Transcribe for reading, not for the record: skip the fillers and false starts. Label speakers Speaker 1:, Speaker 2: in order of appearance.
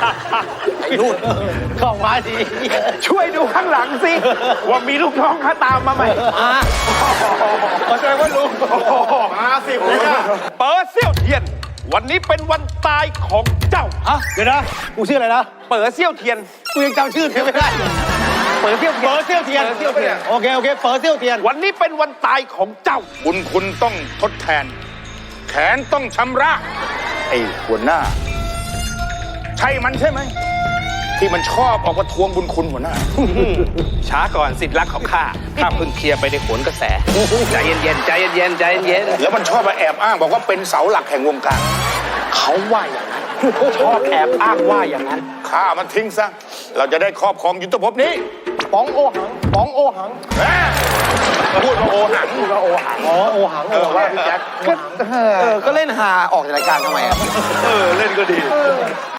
Speaker 1: ไอ้นู่นเข้ามาดี
Speaker 2: ช่วยดูข้างหลังสิ ว่ามีลูกน้องเขาตามมาไหม
Speaker 1: เข้าใจว่าลุงมาสิผมเนี่ย
Speaker 2: เปิดเซี่ยวเทียน วันนี้เป็นวันตายของเจ้า
Speaker 1: ฮะเดี๋ยวนะกูชื่ออะไรนะ
Speaker 2: เปิดเซี่ยวเทียน
Speaker 1: กูยังจำชื่อเธอไม่ได้
Speaker 2: เปิดเซี่ยวเทียน
Speaker 1: เปิดเซี่ยวเทียนโอเคโอเคเปิดเซี่ยวเทียน
Speaker 2: วันนี้เป็นวันตายของเจ้า
Speaker 3: บุญคุณต้องทดแทน แขนต้องชำระ ไอ้หัวหน้า ใช่มันใช่ไหม ที่มันชอบออกมาทวงบุญคุณหัวหน้า
Speaker 2: ช้าก่อนสิทธิ์รักของข้า ข้าเพิ่งเคลียร์ไปในโขนกระแส ใจเย็นๆ ใจเย็นๆ ใจเย็น
Speaker 3: แล้วมันชอบมาแอบอ้างบอกว่าเป็นเสาหลักแห่งวงการ
Speaker 2: เขาว่าอย่างนั้น ชอบแอบอ้างว่าอย่างนั้น
Speaker 3: ฆ่ามันทิ้งซะ เราจะได้ครอบครองยุทธภพนี้
Speaker 1: ป๋องโอหังป๋องโอหัง
Speaker 3: แหมพูดว่าโอหัง
Speaker 1: โอหังอ๋อโอหังว่าพี่แจ็คก็เล่นหาออกจากรายการทำไมอ่ะ
Speaker 2: เล่นก็ดี